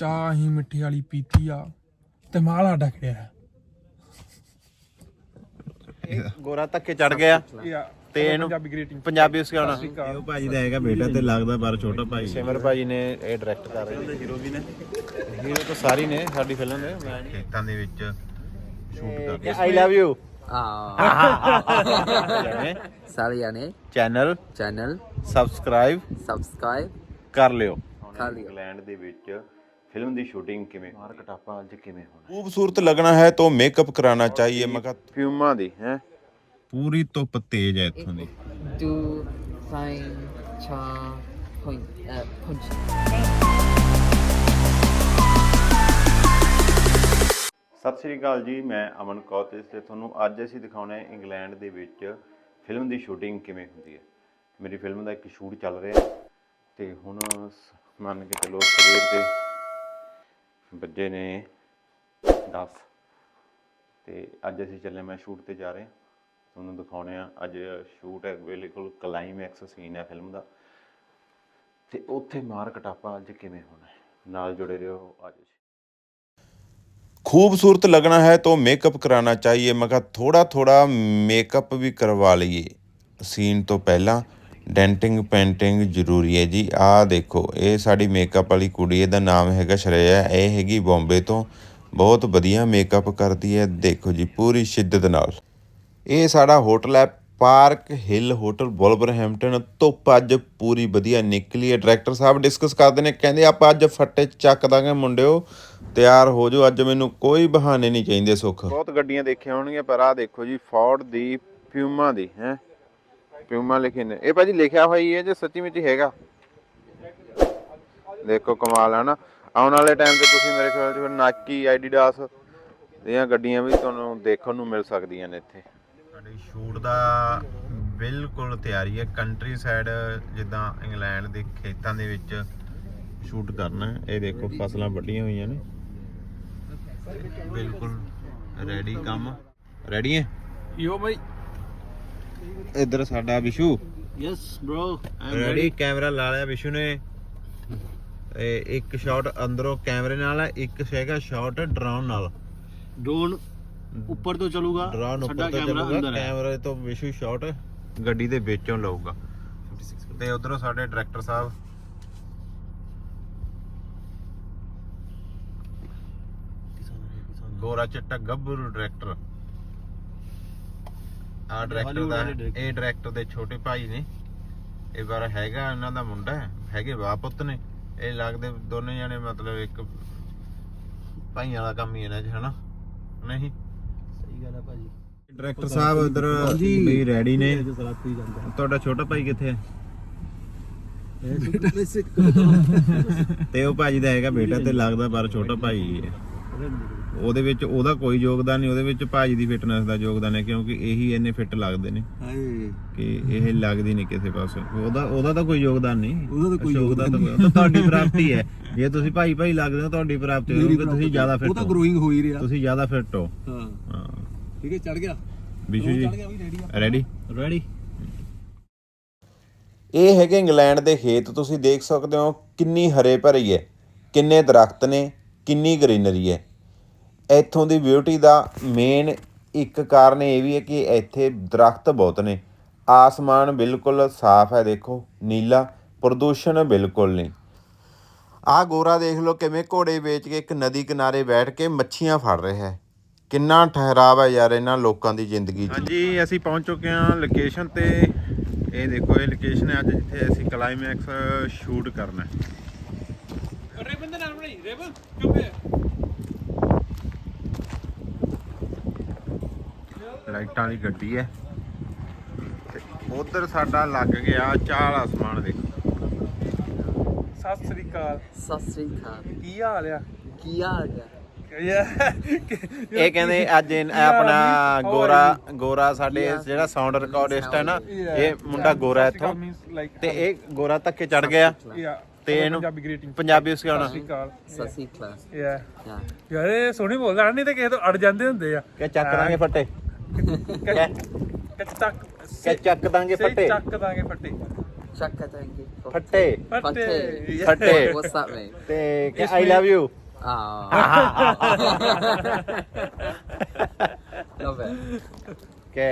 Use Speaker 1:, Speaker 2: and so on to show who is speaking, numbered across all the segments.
Speaker 1: ਚਾਹ ਹੀ ਮਿੱਠੀ ਵਾਲੀ ਪੀਤੀ ਆ ਤੇ ਮਾਲ ਸਾਡਾ ਖੜਿਆ
Speaker 2: ਗੋਰਾ ਧੱਕੇ ਚੜ ਗਿਆ ਤੇ ਇਹਨੂੰ
Speaker 1: ਪੰਜਾਬੀ ਗ੍ਰੀਟਿੰਗ
Speaker 2: ਪੰਜਾਬੀ ਸਿਖਾਉਣਾ। ਇਹ ਭਾਜੀ ਦਾ ਹੈਗਾ ਬੇਟਾ ਤੇ ਲੱਗਦਾ ਪਰ ਛੋਟਾ ਭਾਈ। ਸਿਮਰ ਭਾਜੀ ਨੇ ਇਹ ਡਾਇਰੈਕਟ ਕਰ ਰਹੇ ਨੇ। ਹੀਰੋ ਵੀ ਨੇ, ਹੀਰੋ ਤਾਂ ਸਾਰੀ ਨੇ ਸਾਡੀ ਫਿਲਮ ਦੇ। ਮੈਂ ਖੇਤਾਂ ਦੇ ਵਿੱਚ ਸ਼ੂਟ ਕਰਦੇ। ਆਈ ਲਵ ਯੂ
Speaker 3: ਸਾਰਿਆਂ ਨੇ
Speaker 2: ਚੈਨਲ ਸਬਸਕ੍ਰਾਈਬ ਕਰ ਲਿਓ। ਇੰਗਲੈਂਡ ਦੇ ਵਿੱਚ ਫਿਲਮ ਦੀ ਸ਼ੂਟਿੰਗ ਕਿਵੇਂ, ਮਾਰ ਕਟਾਪਾ ਅੱਜ ਕਿਵੇਂ ਹੋਣਾ,
Speaker 4: खूबसूरत लगना है तो मेकअप कराना चाहिए। मगर
Speaker 2: ਫਿਊਮਾਂ ਦੀ ਹੈ
Speaker 4: पूरी धुप तेज है इत्थों दी।
Speaker 3: do fine cha punch
Speaker 2: ਸਤਿ ਸ਼੍ਰੀ ਅਕਾਲ ਜੀ, ਮੈਂ ਅਮਨ ਕੌਰ ਤੇ ਤੁਹਾਨੂੰ ਅੱਜ ਅਸੀਂ ਦਿਖਾਉਣਾ ਹੈ ਇੰਗਲੈਂਡ ਦੇ ਵਿੱਚ ਫਿਲਮ ਦੀ ਸ਼ੂਟਿੰਗ ਕਿਵੇਂ ਹੁੰਦੀ ਹੈ। ਮੇਰੀ ਫਿਲਮ ਦਾ ਇੱਕ ਸ਼ੂਟ ਚੱਲ ਰਿਹਾ ਤੇ ਹੁਣ ਮੰਨ ਕੇ ਚਲੋ ਸਵੇਰ ਦੇ ਵੱਜੇ ਨੇ 10 ਤੇ ਅੱਜ ਅਸੀਂ ਚੱਲੇ, ਮੈਂ ਸ਼ੂਟ ਤੇ ਜਾ ਰਹੇ, ਤੁਹਾਨੂੰ ਦਿਖਾਉਣੇ ਆ। ਅੱਜ ਸ਼ੂਟ ਹੈ, ਬਿਲਕੁਲ ਕਲਾਈਮੈਕਸ ਸੀਨ ਹੈ ਫਿਲਮ ਦਾ ਤੇ ਉੱਥੇ ਮਾਰ ਕਟਾਪਾ ਅੱਜ ਕਿਵੇਂ ਹੋਣਾ ਹੈ। ਨਾਲ ਜੁੜੇ ਰਹੋ ਅੱਜ।
Speaker 4: खूबसूरत लगना है तो मेकअप कराना चाहिए। मगर थोड़ा थोड़ा मेकअप भी करवा लिए सीन तो पहला। डेंटिंग पेंटिंग ਜ਼ਰੂਰੀ ਹੈ ਜੀ। ਆਹ ਦੇਖੋ, ਇਹ ਸਾਡੀ ਮੇਕਅਪ ਵਾਲੀ ਕੁੜੀ, ਇਹਦਾ ਨਾਮ ਹੈਗਾ ਸ਼੍ਰੇਆ। ਇਹ ਹੈਗੀ ਬੰਬੇ ਤੋਂ, ਬਹੁਤ ਵਧੀਆ ਮੇਕਅਪ ਕਰਦੀ ਹੈ। ਦੇਖੋ ਜੀ ਪੂਰੀ ਸ਼ਿੱਦਤ ਨਾਲ। ਇਹ ਸਾਡਾ ਹੋਟਲ ਹੈ ਪਾਰਕ ਹਿੱਲ ਹੋਟਲ ਵੁਲਵਰਹੈਂਪਟਨ। ਧੁੱਪ ਅੱਜ ਪੂਰੀ ਵਧੀਆ ਨਿਕਲੀ ਹੈ। ਡਾਇਰੈਕਟਰ ਸਾਹਿਬ ਡਿਸਕਸ ਕਰਦੇ ਨੇ, ਕਹਿੰਦੇ ਆਪਾਂ ਅੱਜ ਫੱਟੇ ਚੱਕ ਦਾਂਗੇ ਮੁੰਡਿਓ, ਤਿਆਰ ਹੋ ਜਾਓ, ਅੱਜ ਮੈਨੂੰ ਕੋਈ ਬਹਾਨੇ ਨਹੀਂ ਚਾਹੀਦੇ। ਸੁੱਖ
Speaker 2: ਬਹੁਤ ਗੱਡੀਆਂ ਦੇਖੀਆਂ ਹੋਣਗੀਆਂ ਪਰ ਆਹ ਦੇਖੋ ਜੀ ਫੋਰਡ ਦੀ ਪਿਊਮਾ ਦੀ ਹੈ, ਪਿਊਮਾ ਲਿਖੇ ਨੇ। ਇਹ ਭਾਜੀ ਲਿਖਿਆ ਹੋਇਆ ਹੀ ਹੈ ਜੇ ਸੱਚੀ ਵਿੱਚ ਹੈਗਾ। ਦੇਖੋ ਕਮਾਲ ਹੈ ਨਾ। ਆਉਣ ਵਾਲੇ ਟਾਈਮ ਤੇ ਤੁਸੀਂ ਮੇਰੇ ਖਿਆਲ 'ਚ ਨਾਈਕੀ ਐਡੀਡਾਸ ਦੀਆਂ ਗੱਡੀਆਂ ਵੀ ਤੁਹਾਨੂੰ ਦੇਖਣ ਨੂੰ ਮਿਲ ਸਕਦੀਆਂ ਨੇ ਇੱਥੇ।
Speaker 4: ਸਾਡੇ ਸ਼ੂਟ ਦਾ ਬਿਲਕੁਲ ਤਿਆਰੀ ਹੈ। ਕੰਟਰੀ ਸਾਈਡ ਜਿੱਦਾਂ ਇੰਗਲੈਂਡ ਦੇ ਖੇਤਾਂ ਦੇ ਵਿੱਚ ਸ਼ੂਟ ਕਰਨਾ ਹੈ। ਇਹ ਦੇਖੋ ਫਸਲਾਂ ਵੱਢੀਆਂ ਹੋਈਆਂ ਨੇ, ਬਿਲਕੁਲ ਰੈਡੀ ਕੰਮ। ਰੈਡੀ ਹੈ
Speaker 1: ਯੋ ਬਾਈ।
Speaker 4: ਇੱਧਰ ਸਾਡਾ Vishu.
Speaker 5: Yes bro
Speaker 4: ready. Camera ਲਾ ਲਿਆ ਵਿਸ਼ੂ ਨੇ। ਇੱਕ ਸ਼ਾਟ ਅੰਦਰੋਂ ਕੈਮਰੇ ਨਾਲ ਹੈ, ਇੱਕ ਹੈਗਾ ਸ਼ਾਟ ਡਰੋਨ ਨਾਲ।
Speaker 5: ਡਰੋਨ ਉੱਪਰ ਤੋਂ ਚੱਲੂਗਾ,
Speaker 4: ਡਰੋਨ ਉੱਪਰ ਤੋਂ ਚੱਲੂਗਾ, ਕੈਮਰੇ ਤੋਂ ਵਿਸ਼ੂ ਸ਼ਾਟ ਗੱਡੀ ਦੇ ਵਿੱਚੋਂ ਲਊਗਾ। ਤੇ ਉਧਰੋਂ ਸਾਡੇ ਡਾਇਰੈਕਟਰ ਸਾਹਿਬ ਗੋਰਾ ਚਿੱਟਾ ਗੱਭਰੂ ਡਾਇਰੈਕਟਰ। ਆ ਡਾਇਰੈਕਟਰ ਦਾ, ਇਹ ਡਾਇਰੈਕਟਰ ਦੇ ਛੋਟੇ ਭਾਈ ਨੇ। ਇਹ ਵਾਰ ਹੈਗਾ ਇਹਨਾਂ ਦਾ ਮੁੰਡਾ, ਹੈਗੇ ਬਾਪ ਪੁੱਤ ਨੇ। ਇਹ ਲੱਗਦੇ ਦੋਨੇ ਜਣੇ ਮਤਲਬ ਇੱਕ ਭਾਈਆਂ ਦਾ ਕੰਮ ਹੀ ਇਹਨਾਂ 'ਚ, ਹਨਾ ਨਹੀਂ?
Speaker 5: ਸਹੀ ਗੱਲ ਹੈ ਭਾਜੀ।
Speaker 4: ਡਾਇਰੈਕਟਰ ਸਾਹਿਬ ਉਧਰ ਵੀ ਰੈਡੀ ਨੇ। ਤੁਹਾਡਾ ਛੋਟਾ ਭਾਈ ਕਿੱਥੇ ਹੈ? ਤੇ ਉਹ ਭਾਜੀ ਦਾ ਹੈਗਾ ਬੇਟਾ ਤੇ ਲੱਗਦਾ ਪਰ ਛੋਟਾ ਭਾਈ ਹੈ। ਉਹਦੇ ਵਿੱਚ ਉਹਦਾ ਕੋਈ ਯੋਗਦਾਨ ਨਹੀਂ, ਉਹਦੇ ਵਿੱਚ ਭਾਜੀ ਦੀ ਫਿਟਨੈਸ ਦਾ ਯੋਗਦਾਨ ਹੈ, ਕਿਉਂਕਿ ਇਹੀ ਇੰਨੇ ਫਿੱਟ ਲੱਗਦੇ ਨੇ ਕਿ ਇਹ ਲੱਗਦੀ ਨਹੀਂ ਕਿਸੇ ਪਾਸੇ। ਉਹਦਾ ਤਾਂ ਕੋਈ ਯੋਗਦਾਨ ਨਹੀਂ, ਉਹਦਾ ਤਾਂ ਕੋਈ ਯੋਗਦਾਨ ਤਾਂ ਤੁਹਾਡੀ ਪ੍ਰਾਪਤੀ ਹੈ। ਜੇ ਤੁਸੀਂ ਭਾਈ ਭਾਈ ਲੱਗਦੇ ਹੋ ਤੁਹਾਡੀ ਪ੍ਰਾਪਤੀ ਹੋਊਗੀ, ਤੁਸੀਂ ਜ਼ਿਆਦਾ ਫਿੱਟ ਹੋ। ਉਹ ਤਾਂ ਗਰੋਇੰਗ ਹੋ ਹੀ ਰਿਹਾ, ਤੁਸੀਂ ਜ਼ਿਆਦਾ ਫਿੱਟ ਹੋ। ਹਾਂ
Speaker 5: ਠੀਕ ਹੈ, ਚੜ ਗਿਆ
Speaker 4: ਵਿਸ਼ੂ ਜੀ। Ready ready. ਇਹ ਹੈਗੇ ਇੰਗਲੈਂਡ ਦੇ ਖੇਤ। ਤੁਸੀਂ ਦੇਖ ਸਕਦੇ ਹੋ ਕਿੰਨੀ ਹਰੇ ਭਰੀ ਹੈ, ਕਿੰਨੇ ਦਰਖਤ ਨੇ, ਕਿੰਨੀ ਗ੍ਰੀਨਰੀ ਹੈ। ਇੱਥੋਂ ਦੀ ਬਿਊਟੀ ਦਾ ਮੇਨ ਇੱਕ ਕਾਰਨ ਇਹ ਵੀ ਹੈ ਕਿ ਇੱਥੇ ਦਰਖਤ ਬਹੁਤ ਨੇ। ਆਸਮਾਨ ਬਿਲਕੁਲ ਸਾਫ਼ ਹੈ, ਦੇਖੋ ਨੀਲਾ, ਪ੍ਰਦੂਸ਼ਣ ਬਿਲਕੁਲ ਨਹੀਂ। ਆਹ ਗੋਰਾ ਦੇਖ ਲਓ ਕਿਵੇਂ ਘੋੜੇ ਵੇਚ ਕੇ ਇੱਕ ਨਦੀ ਕਿਨਾਰੇ ਬੈਠ ਕੇ ਮੱਛੀਆਂ ਫੜ ਰਿਹਾ ਹੈ। ਕਿੰਨਾ ਠਹਿਰਾਵ ਹੈ ਯਾਰ ਇਹਨਾਂ ਲੋਕਾਂ ਦੀ ਜ਼ਿੰਦਗੀ 'ਚ।
Speaker 2: ਹਾਂਜੀ, ਅਸੀਂ ਪਹੁੰਚ ਚੁੱਕੇ ਹਾਂ ਲੋਕੇਸ਼ਨ ਤੇ। ਇਹ ਦੇਖੋ ਇਹ ਲੋਕੇਸ਼ਨ ਹੈ ਅੱਜ ਜਿੱਥੇ ਅਸੀਂ ਕਲਾਈਮੈਕਸ ਸ਼ੂਟ ਕਰਨਾ ਹੈ।
Speaker 1: ਰੇਬਨ ਦੇ ਨਾਲ ਬਣਾਈ ਰੇਬਨ ਕਿਉਂ?
Speaker 2: ਲਾਈਟਾਂ ਵਾਲੀ ਗੱਡੀ ਹੈ ਤੇ ਉਧਰ ਸਾਡਾ ਲੱਗ ਗਿਆ ਚਾਲ ਆਸਮਾਨ। ਦੇਖੋ
Speaker 1: ਸਤਿ ਸ੍ਰੀ ਅਕਾਲ।
Speaker 3: ਸਤਿ ਸ੍ਰੀ ਅਕਾਲ।
Speaker 1: ਕੀ ਹਾਲ ਆ?
Speaker 3: ਕੀ ਹਾਲ ਹੈ?
Speaker 2: ਇਹ ਕਹਿੰਦੇ ਅੱਜ ਆਪਣਾ ਗੋਰਾ ਸਾਡੇ ਜਿਹੜਾ ਸਾਊਂਡ ਰਿਕਾਰਡਿਸਟ ਹੈ ਨਾ, ਇਹ ਮੁੰਡਾ ਗੋਰਾ ਇੱਥੋਂ ਤੇ ਇਹ ਗੋਰਾ ਧੱਕੇ ਚੜ ਗਿਆ ਤੇ ਇਹਨੂੰ ਪੰਜਾਬੀ ਸਿਖਾਉਣਾ।
Speaker 3: ਸਤਿ ਸ੍ਰੀ ਅਕਾਲ।
Speaker 1: ਯਾਰ ਇਹ ਸੋਹਣੀ ਬੋਲਦਾ, ਨਹੀਂ ਤੇ ਕਿਸੇ ਤੋਂ ਅੜ ਜਾਂਦੇ ਹੁੰਦੇ ਆ
Speaker 2: ਕਿ ਚੱਕ ਦਾਂਗੇ ਫੱਟੇ,
Speaker 1: ਚੱਕ
Speaker 2: ਚੱਕ ਦਾਂਗੇ ਫੱਟੇ,
Speaker 1: ਚੱਕ ਦਾਂਗੇ ਫੱਟੇ।
Speaker 3: Chaka tangi.
Speaker 2: ਫੱਟੇ
Speaker 1: ਫੱਟੇ
Speaker 2: ਫੱਟੇ
Speaker 3: What's that mean?
Speaker 2: ਤੇ ਕਿ I love you
Speaker 3: Oh. Love it.
Speaker 2: ਕਿ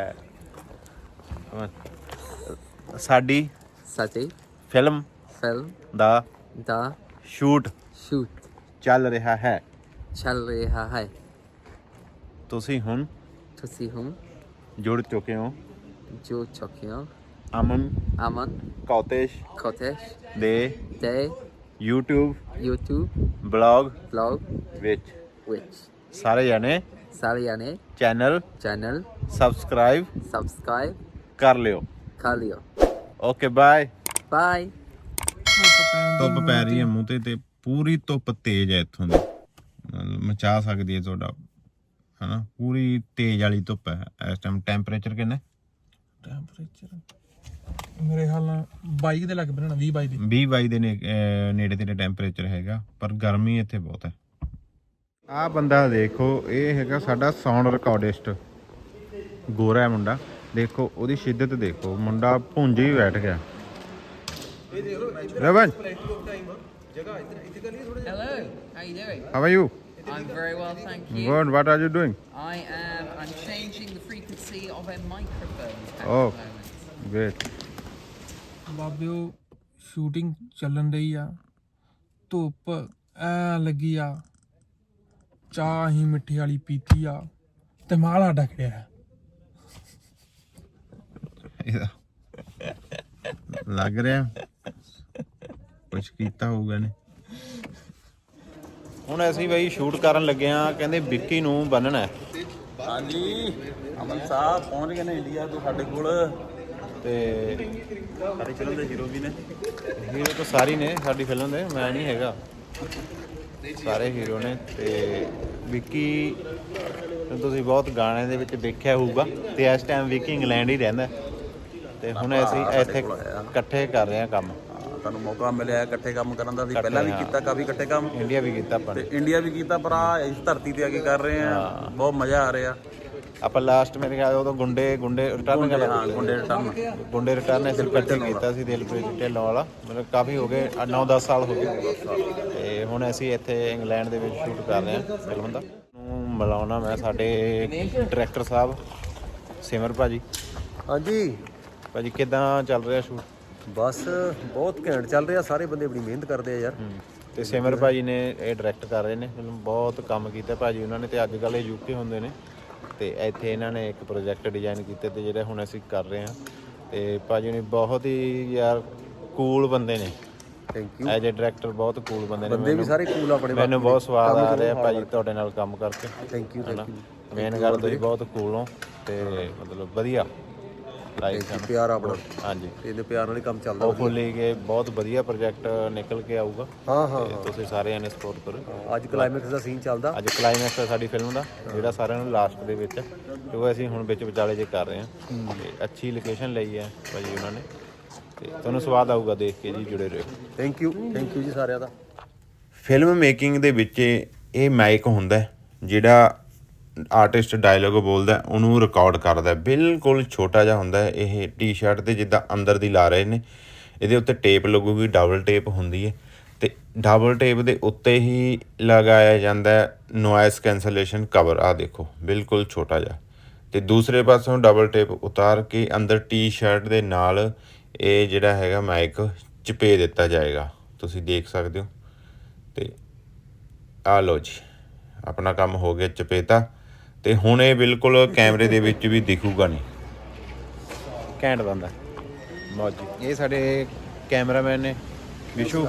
Speaker 2: ਸਾਡੀ
Speaker 3: Sati.
Speaker 2: Film
Speaker 3: Film.
Speaker 2: ਦਾ
Speaker 3: Da.
Speaker 2: Shoot
Speaker 3: Shoot.
Speaker 2: ਚੱਲ ਰਿਹਾ ਹੈ
Speaker 3: Chal reha hai.
Speaker 2: ਤੁਸੀਂ ਹੁਣ
Speaker 3: Tusi hum.
Speaker 2: ਜੁੜ ਚੁੱਕੇ ਹੋ
Speaker 3: Jo chokyo.
Speaker 2: Aman
Speaker 3: Aman.
Speaker 2: Kotesh
Speaker 3: Kotesh.
Speaker 2: ਦੇ
Speaker 3: Day.
Speaker 2: YouTube
Speaker 3: YouTube.
Speaker 2: Blog
Speaker 3: Blog.
Speaker 2: ਵਿੱਚ
Speaker 3: Which.
Speaker 2: ਸਾਰੇ ਜਾਣੇ
Speaker 3: Saliane.
Speaker 2: Channel
Speaker 3: Channel.
Speaker 2: Subscribe
Speaker 3: Subscribe.
Speaker 2: ਕਰ ਲਿਓ
Speaker 3: Kalio.
Speaker 2: Okay bye
Speaker 3: Bye.
Speaker 4: ਧੁੱਪ ਪੈ ਰਹੀ ਹੈ ਮੂੰਹ ਤੇ ਪੂਰੀ ਧੁੱਪ ਤੇਜ਼ ਹੈ ਇੱਥੋਂ ਦੀ ਮਚਾ ਸਕਦੀ ਹੈ ਤੁਹਾਡਾ ਹਨਾ ਪੂਰੀ ਤੇਜ਼ ਵਾਲੀ ਧੁੱਪ ਹੈ ਇਸ ਟਾਈਮ ਟੈਂਪਰੇਚਰ ਕਿੰਨਾ
Speaker 1: ਟੈਂਪਰੇਚਰ ਮੇਰੇ ਹਾਲ ਨਾਲ 22 ਦੇ ਲੱਗ ਪੈਣਾ 20 22 ਦੇ
Speaker 4: 20-22 ਦੇ ਨੇੜੇ ਤੇੜੇ ਟੈਂਪਰੇਚਰ ਹੈਗਾ ਪਰ ਗਰਮੀ ਇੱਥੇ ਬਹੁਤ ਹੈ ਆਹ ਬੰਦਾ ਦੇਖੋ ਇਹ ਹੈਗਾ ਸਾਡਾ ਸਾਊਂਡ ਰਿਕਾਰਡਿਸਟ ਗੋਰਾ ਹੈ ਮੁੰਡਾ ਦੇਖੋ ਉਹਦੀ ਸ਼ਿੱਦਤ ਦੇਖੋ ਮੁੰਡਾ ਭੁੰਜ ਹੀ ਬੈਠ ਗਿਆ Ravan
Speaker 3: Hello. How you doing?
Speaker 4: How are you
Speaker 3: I'm very well, thank you.
Speaker 4: Good what are you doing
Speaker 3: I'm changing the frequency of a microphone at
Speaker 4: Oh.
Speaker 3: the moment.
Speaker 4: Great
Speaker 1: ਬਾਬਿਓ ਸ਼ੂਟਿੰਗ ਚੱਲਣ ਰਹੀ ਆ ਧੁੱਪ ਐ ਲੱਗੀ ਆ ਚਾਹ ਹੀ ਮਿੱਠੀ ਵਾਲੀ ਪੀਤੀ ਆ ਤੇ ਮਾਲ ਸਾਡਾ ਖੜਿਆ
Speaker 4: ਲੱਗ ਰਿਹਾ ਕੁਝ ਕੀਤਾ ਹੋਊਗਾ ਨੇ
Speaker 2: ਹੁਣ ਅਸੀਂ ਬਈ ਸ਼ੂਟ ਕਰਨ ਲੱਗੇ ਆ ਕਹਿੰਦੇ ਵਿੱਕੀ ਨੂੰ ਬੰਨਣਾ ਹੈ
Speaker 5: ਹਾਂਜੀ ਅਮਨ ਸਾਹਿਬ ਪਹੁੰਚ ਗਏ ਨੇ ਇੰਡੀਆ ਤੋਂ ਸਾਡੇ ਕੋਲ
Speaker 2: ਤੇ
Speaker 5: ਸਾਡੀ ਫਿਲਮ ਦੇ ਹੀਰੋ ਵੀ ਨੇ
Speaker 2: ਹੀਰੋ ਤਾਂ ਸਾਰੇ ਹੀ ਨੇ ਸਾਡੀ ਫਿਲਮ ਦੇ ਮੈਂ ਨਹੀਂ ਹੈਗਾ ਸਾਰੇ ਹੀਰੋ ਨੇ ਤੇ ਵਿੱਕੀ ਨੂੰ ਤੁਸੀਂ ਬਹੁਤ ਗਾਣੇ ਦੇ ਵਿੱਚ ਦੇਖਿਆ ਹੋਊਗਾ ਤੇ ਇਸ ਟਾਈਮ ਵਿੱਕੀ ਇੰਗਲੈਂਡ ਹੀ ਰਹਿੰਦਾ ਤੇ ਹੁਣ ਅਸੀਂ ਇੱਥੇ ਇਕੱਠੇ ਕਰ ਰਹੇ ਹਾਂ ਕੰਮ
Speaker 5: ਤੁਹਾਨੂੰ ਮੌਕਾ ਮਿਲਿਆ ਇਕੱਠੇ ਕੰਮ ਕਰਨ ਦਾ ਅਸੀਂ ਪਹਿਲਾਂ ਵੀ ਕੀਤਾ ਕਾਫੀ ਇਕੱਠੇ ਕੰਮ
Speaker 2: ਇੰਡੀਆ ਵੀ ਕੀਤਾ ਆਪਾਂ ਨੇ
Speaker 5: ਤੇ ਇੰਡੀਆ ਵੀ ਕੀਤਾ ਪਰ ਆ ਇਸ ਧਰਤੀ ਤੇ ਆ ਕੇ ਕਰ ਰਹੇ ਆ ਬਹੁਤ ਮਜ਼ਾ ਆ ਰਿਹਾ
Speaker 2: ਆਪਾਂ ਲਾਸਟ ਮੇਰੇ ਖਿਆਲ ਉਦੋਂ ਗੁੰਡੇ ਰਿਟਰਨ ਕਰ
Speaker 5: ਹਾਂ ਗੁੰਡੇ ਰਿਟਰਨ
Speaker 2: ਗੁੰਡੇ ਰਿਟਰਨ ਅਸੀਂ ਇਕੱਠੇ ਕੀਤਾ ਸੀ ਦਿਲਪ੍ਰੀਤ ਢਿੱਲੋਂ ਵਾਲਾ ਮਤਲਬ ਕਾਫੀ ਹੋ ਗਏ 9-10 ਸਾਲ ਹੋ ਗਏ ਤੇ ਹੁਣ ਅਸੀਂ ਇੱਥੇ ਇੰਗਲੈਂਡ ਦੇ ਵਿੱਚ ਸ਼ੂਟ ਕਰ ਰਹੇ ਹਾਂ ਫਿਲਮ ਦਾ ਨੂੰ ਮਿਲਾਉਣਾ ਮੈਂ ਸਾਡੇ ਡਾਇਰੈਕਟਰ ਸਾਹਿਬ ਸਿਮਰ ਭਾਜੀ
Speaker 5: ਹਾਂਜੀ
Speaker 2: ਭਾਜੀ ਕਿੱਦਾਂ ਚੱਲ ਰਿਹਾ ਸ਼ੂਟ
Speaker 5: ਬਸ ਬਹੁਤ ਘੈਂਟ ਚੱਲ ਰਿਹਾ ਸਾਰੇ ਬੰਦੇ ਬੜੀ ਮਿਹਨਤ ਕਰਦੇ ਆ ਯਾਰ
Speaker 2: ਤੇ ਸਿਮਰ ਭਾਜੀ ਨੇ ਇਹ ਡਾਇਰੈਕਟ ਕਰ ਰਹੇ ਨੇ ਫਿਲਮ ਬਹੁਤ ਕੰਮ ਕੀਤਾ ਭਾਜੀ ਉਹਨਾਂ ਨੇ ਤੇ ਅੱਜ ਕੱਲ੍ਹ ਇਹ ਯੂਕੇ ਹੁੰਦੇ ਨੇ ਤੇ ਇੱਥੇ ਇਹਨਾਂ ਨੇ ਇੱਕ ਪ੍ਰੋਜੈਕਟ ਡਿਜ਼ਾਈਨ ਕੀਤੇ ਤੇ ਜਿਹੜੇ ਹੁਣ ਅਸੀਂ ਕਰ ਰਹੇ ਹਾਂ ਤੇ ਭਾਜੀ ਨੇ ਬਹੁਤ ਹੀ ਯਾਰ ਕੂਲ ਬੰਦੇ ਨੇ
Speaker 5: thank you
Speaker 2: as a director ਬਹੁਤ ਕੂਲ ਬੰਦੇ ਨੇ
Speaker 5: ਬੰਦੇ ਵੀ ਸਾਰੇ ਕੂਲ ਆਪਣੇ
Speaker 2: ਮੈਨੂੰ ਬਹੁਤ ਸਵਾਦ ਆ ਰਿਹਾ ਭਾਜੀ ਤੁਹਾਡੇ ਨਾਲ ਕੰਮ ਕਰਕੇ
Speaker 5: ਥੈਂਕ ਯੂ
Speaker 2: ਮੇਨ ਗੱਲ ਤੁਸੀਂ ਬਹੁਤ ਕੂਲ ਹੋ ਤੇ ਮਤਲਬ ਵਧੀਆ ਲਾਈਕ
Speaker 5: ਪਿਆਰ ਆਪਣਾ
Speaker 2: ਹਾਂਜੀ
Speaker 5: ਇਹਦੇ ਪਿਆਰ ਨਾਲ ਹੀ ਕੰਮ ਚੱਲਦਾ
Speaker 2: ਹੋਪਫੁਲੀ ਕਿ ਬਹੁਤ ਵਧੀਆ ਪ੍ਰੋਜੈਕਟ ਨਿਕਲ ਕੇ ਆਊਗਾ
Speaker 5: ਹਾਂ
Speaker 2: ਤੇ ਤੁਸੀਂ ਸਾਰਿਆਂ ਨੇ ਸਪੋਰਟ ਕਰੋ
Speaker 5: ਅੱਜ ਕਲਾਈਮੈਕਸ ਦਾ ਸੀਨ ਚੱਲਦਾ
Speaker 2: ਅੱਜ ਕਲਾਈਮੈਕਸ ਹੈ ਸਾਡੀ ਫਿਲਮ ਦਾ ਜਿਹੜਾ ਸਾਰਿਆਂ ਨੂੰ ਲਾਸਟ ਦੇ ਵਿੱਚ ਕਿਉਂਕਿ ਅਸੀਂ ਹੁਣ ਵਿੱਚ ਵਿਚਾਲੇ ਜੇ ਕਰ ਰਹੇ ਹਾਂ ਤੇ ਅੱਛੀ ਲੋਕੇਸ਼ਨ ਲਈ ਹੈ ਭਾਜੀ ਉਹਨਾਂ ਨੇ ਤੇ ਤੁਹਾਨੂੰ ਸਵਾਦ ਆਊਗਾ ਦੇਖ ਕੇ ਜੀ ਜੁੜੇ ਰਹੋ
Speaker 5: ਥੈਂਕ ਯੂ ਜੀ ਸਾਰਿਆਂ ਦਾ
Speaker 4: ਫਿਲਮ ਮੇਕਿੰਗ ਦੇ ਵਿੱਚ ਇਹ ਮਾਈਕ ਹੁੰਦਾ ਜਿਹੜਾ ਆਰਟਿਸਟ ਡਾਇਲੋਗ ਬੋਲਦਾ ਉਹਨੂੰ ਰਿਕਾਰਡ ਕਰਦਾ ਬਿਲਕੁਲ ਛੋਟਾ ਜਿਹਾ ਹੁੰਦਾ ਇਹ ਟੀ-ਸ਼ਰਟ ਤੇ ਜਿੱਦਾਂ ਅੰਦਰ ਦੀ ਲਾ ਰਹੇ ਨੇ ਇਹਦੇ ਉੱਤੇ ਟੇਪ ਲੱਗੂਗੀ ਡਬਲ ਟੇਪ ਹੁੰਦੀ ਹੈ ਤੇ ਡਬਲ ਟੇਪ ਦੇ ਉੱਤੇ ਹੀ ਲਗਾਇਆ ਜਾਂਦਾ ਨੋਇਸ ਕੈਂਸਲੇਸ਼ਨ ਕਵਰ ਆ ਦੇਖੋ ਬਿਲਕੁਲ ਛੋਟਾ ਜਿਹਾ ਤੇ ਦੂਸਰੇ ਪਾਸੋਂ ਡਬਲ ਟੇਪ ਉਤਾਰ ਕੇ ਅੰਦਰ ਟੀ-ਸ਼ਰਟ ਦੇ ਨਾਲ ਇਹ ਜਿਹੜਾ ਹੈਗਾ ਮਾਈਕ ਚਪੇ ਦਿੱਤਾ ਜਾਏਗਾ ਤੁਸੀਂ ਦੇਖ ਸਕਦੇ ਹੋ ਤੇ ਆ ਲਓ ਜੀ ਆਪਣਾ ਕੰਮ ਹੋ ਗਿਆ ਚਪੇਤਾ ਤੇ ਹੁਣ ਇਹ ਬਿਲਕੁਲ ਕੈਮਰੇ ਦੇ ਵਿੱਚ ਵੀ ਦਿਖੂਗਾ ਨਹੀਂ
Speaker 2: ਘੈਂਟ ਬੰਦਾ ਮੌਜੀ ਇਹ ਸਾਡੇ ਕੈਮਰਾਮੈਨ ਨੇ ਵਿਸ਼ੂ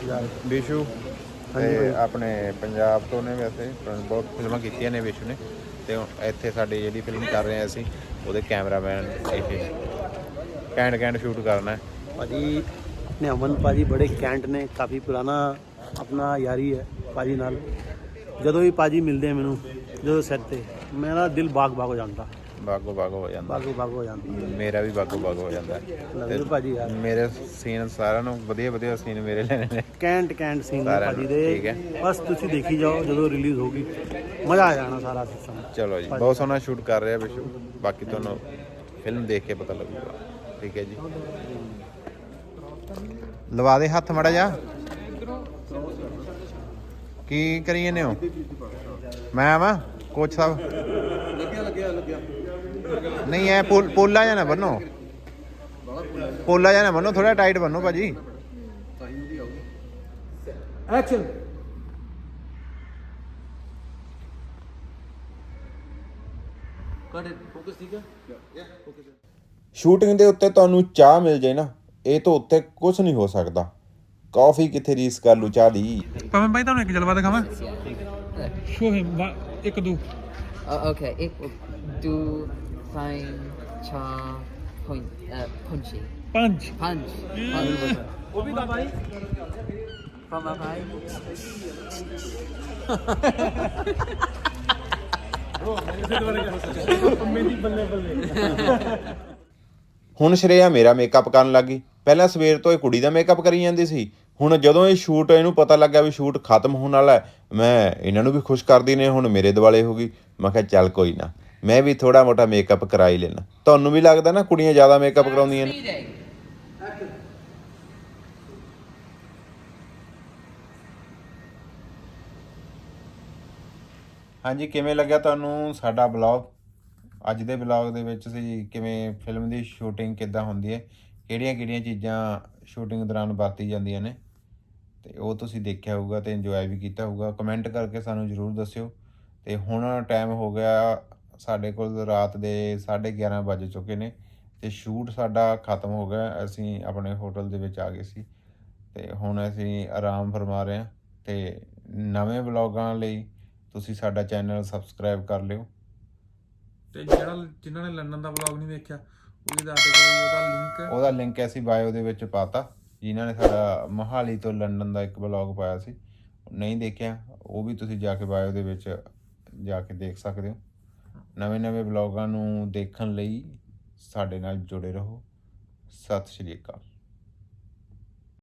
Speaker 2: ਤੇ ਆਪਣੇ ਪੰਜਾਬ ਤੋਂ ਨੇ ਵੈਸੇ ਬਹੁਤ ਫਿਲਮਾਂ ਕੀਤੀਆਂ ਨੇ ਵਿਸ਼ੂ ਨੇ ਤੇ ਇੱਥੇ ਸਾਡੀ ਜਿਹੜੀ ਫਿਲਮ ਕਰ ਰਹੇ ਹਾਂ ਅਸੀਂ ਉਹਦੇ ਕੈਮਰਾਮੈਨ ਇਹ ਘੈਂਟ ਸ਼ੂਟ ਕਰਨਾ ਹੈ
Speaker 5: ਭਾਜੀ ਆਪਣੇ ਅਮਨ ਭਾਜੀ ਬੜੇ ਕੈਂਟ ਨੇ ਕਾਫੀ ਪੁਰਾਣਾ ਆਪਣਾ ਯਾਰੀ ਹੈ ਭਾਜੀ ਨਾਲ ਜਦੋਂ ਵੀ ਭਾਜੀ ਮਿਲਦੇ ਆ ਮੈਨੂੰ ਜਦੋਂ ਸੈੱਟ ਤੇ ਮੇਰਾ ਦਿਲ ਬਾਗ ਹੋ ਜਾਂਦਾ
Speaker 2: ਬਾਗੋ ਹੋ ਜਾਂਦਾ
Speaker 5: ਹੋ ਜਾਂਦਾ
Speaker 2: ਮੇਰਾ ਵੀ ਬਾਗੋ ਹੋ ਜਾਂਦਾ
Speaker 5: ਲੱਗਦਾ ਭਾਜੀ ਯਾਰ
Speaker 2: ਮੇਰੇ ਸੀਨ ਸਾਰਿਆਂ ਨੂੰ ਵਧੀਆ ਸੀਨ ਮੇਰੇ ਲੈਣੇ ਨੇ
Speaker 5: ਕੈਂਟ ਸੀਨ ਨੇ ਭਾਜੀ ਦੇ ਬਸ ਤੁਸੀਂ ਦੇਖੀ ਜਾਓ ਜਦੋਂ ਰਿਲੀਜ਼ ਹੋਗੀ ਮਜ਼ਾ ਆ ਜਾਣਾ ਸਾਰਾ ਸਿਸਟਮ
Speaker 2: ਚਲੋ ਜੀ ਬਹੁਤ ਸੋਹਣਾ ਸ਼ੂਟ ਕਰ ਰਿਹਾ ਵਿਸ਼ੂ ਬਾਕੀ ਤੁਹਾਨੂੰ ਫਿਲਮ ਦੇਖ ਕੇ ਪਤਾ ਲੱਗੂਗਾ ਠੀਕ ਹੈ ਜੀ
Speaker 4: ਲਵਾ ਦੇ ਹੱਥ ਮੜਾ ਜਾ। ਕੀ ਕਰੀ ਜਾਂਦੇ ਹੋ? ਮੈਂ ਆਵਾਂ ਕੋਚ ਸਾਹਿਬ? ਨਹੀਂ ਐ ਪੋਲਾ ਜਾਂ ਨਾ ਬੰਨੋ, ਪੋਲਾ ਜਾਂ ਨਾ ਬੰਨੋ, ਥੋੜਾ ਟਾਈਟ ਬੰਨੋ ਭਾਜੀ।
Speaker 5: ਐਕਸ਼ਨ।
Speaker 4: ਸ਼ੂਟਿੰਗ ਦੇ ਉੱਤੇ ਤੁਹਾਨੂੰ ਚਾਹ ਮਿਲ ਜੇ ਨਾ, ਇਹ ਤੋਂ ਉੱਤੇ ਕੁਝ ਨਹੀਂ ਹੋ ਸਕਦਾ। ਕਾਫੀ ਕਿੱਥੇ ਰੀਸ ਕਰ ਲੂ ਚਾਹ ਦੀ।
Speaker 1: ਪਵਨ ਭਾਈ ਤੁਹਾਨੂੰ ਇੱਕ ਜਲਵਾ ਦਿਖਾਵਾਂ। Show him 1 2
Speaker 6: Okay, do fine cha punchy.
Speaker 1: Punch.
Speaker 6: Punch.
Speaker 5: वो भी था भाई।
Speaker 6: From a bhai.
Speaker 5: मेरी बल्ले बल्ले।
Speaker 4: ਹੁਣ ਸ਼੍ਰੇਆ ਮੇਰਾ ਮੇਕਅਪ ਕਰਨ ਲੱਗੀ। ਪਹਿਲਾਂ ਸਵੇਰ ਤੋਂ ਇਹ ਕੁੜੀ ਦਾ ਮੇਕਅਪ ਕਰੀ ਜਾਂਦੀ ਸੀ। ਹੁਣ ਜਦੋਂ ਇਹ ਸ਼ੂਟ, ਇਹਨੂੰ ਪਤਾ ਲੱਗਾ ਵੀ ਸ਼ੂਟ ਖਤਮ ਹੋਣ ਵਾਲਾ ਹੈ, ਮੈਂ ਇਹਨਾਂ ਨੂੰ ਵੀ ਖੁਸ਼ ਕਰਦੀ ਨੇ, ਹੁਣ ਮੇਰੇ ਦੁਆਲੇ ਹੋ ਗਈ। ਮੈਂ ਕਿਹਾ ਚੱਲ ਕੋਈ ਨਾ, ਮੈਂ ਵੀ ਥੋੜਾ ਮੋਟਾ ਮੇਕਅਪ ਕਰਾ ਹੀ ਲੈਣਾ। ਤੁਹਾਨੂੰ ਵੀ ਲੱਗਦਾ ਨਾ ਕੁੜੀਆਂ ਜ਼ਿਆਦਾ ਮੇਕਅਪ ਕਰਾਉਂਦੀਆਂ ਨੇ?
Speaker 3: Speeding.
Speaker 4: ਹਾਂਜੀ, ਕਿਵੇਂ ਲੱਗਿਆ ਤੁਹਾਨੂੰ ਸਾਡਾ ਬਲੌਗ? ਅੱਜ ਦੇ ਬਲੌਗ ਦੇ ਵਿੱਚ ਅਸੀਂ ਕਿਵੇਂ ਫਿਲਮ ਦੀ ਸ਼ੂਟਿੰਗ ਕਿੱਦਾਂ ਹੁੰਦੀ ਹੈ, ਕਿਹੜੀਆਂ ਚੀਜ਼ਾਂ ਸ਼ੂਟਿੰਗ ਦੌਰਾਨ ਵਰਤੀ ਜਾਂਦੀਆਂ ਨੇ, ਤੇ ਉਹ ਤੁਸੀਂ ਦੇਖਿਆ ਹੋਊਗਾ ਤੇ ਇੰਜੋਏ ਵੀ ਕੀਤਾ ਹੋਊਗਾ। ਕਮੈਂਟ ਕਰਕੇ ਸਾਨੂੰ ਜ਼ਰੂਰ ਦੱਸਿਓ। ਤੇ ਹੁਣ ਟਾਈਮ ਹੋ ਗਿਆ, ਸਾਡੇ ਕੋਲ ਰਾਤ ਦੇ 11:30 ਵੱਜ ਚੁੱਕੇ ਨੇ ਤੇ ਸ਼ੂਟ ਸਾਡਾ ਖਤਮ ਹੋ ਗਿਆ। ਅਸੀਂ ਆਪਣੇ ਹੋਟਲ ਦੇ ਵਿੱਚ ਆ ਗਏ ਸੀ ਤੇ ਹੁਣ ਅਸੀਂ ਆਰਾਮ ਫਰਮਾ ਰਹੇ ਹਾਂ। ਤੇ ਨਵੇਂ ਬਲੌਗਾਂ ਲਈ ਤੁਸੀਂ ਸਾਡਾ ਚੈਨਲ ਸਬਸਕ੍ਰਾਈਬ ਕਰ ਲਿਓ।
Speaker 1: ਤੇ ਜਿਨ੍ਹਾਂ ਨੇ ਲੰਡਨ ਦਾ ਵਲੌਗ ਨਹੀਂ ਵੇਖਿਆ, ਉਹਦੀ ਦੱਸ ਦਿਓ
Speaker 4: ਉਹਦਾ ਲਿੰਕ ਅਸੀਂ ਬਾਇਓ ਦੇ ਵਿੱਚ ਪਾਤਾ। ਜਿਨ੍ਹਾਂ ਨੇ ਸਾਡਾ ਮੋਹਾਲੀ ਤੋਂ ਲੰਡਨ ਦਾ ਇੱਕ ਬਲੌਗ ਪਾਇਆ ਸੀ, ਨਹੀਂ ਦੇਖਿਆ, ਉਹ ਵੀ ਤੁਸੀਂ ਜਾ ਕੇ ਬਾਇਓ ਦੇ ਵਿੱਚ ਜਾ ਕੇ ਦੇਖ ਸਕਦੇ ਹੋ। ਨਵੇਂ ਬਲੌਗਾਂ ਨੂੰ ਦੇਖਣ ਲਈ ਸਾਡੇ ਨਾਲ ਜੁੜੇ ਰਹੋ। ਸਤਿ ਸ਼੍ਰੀ ਅਕਾਲ।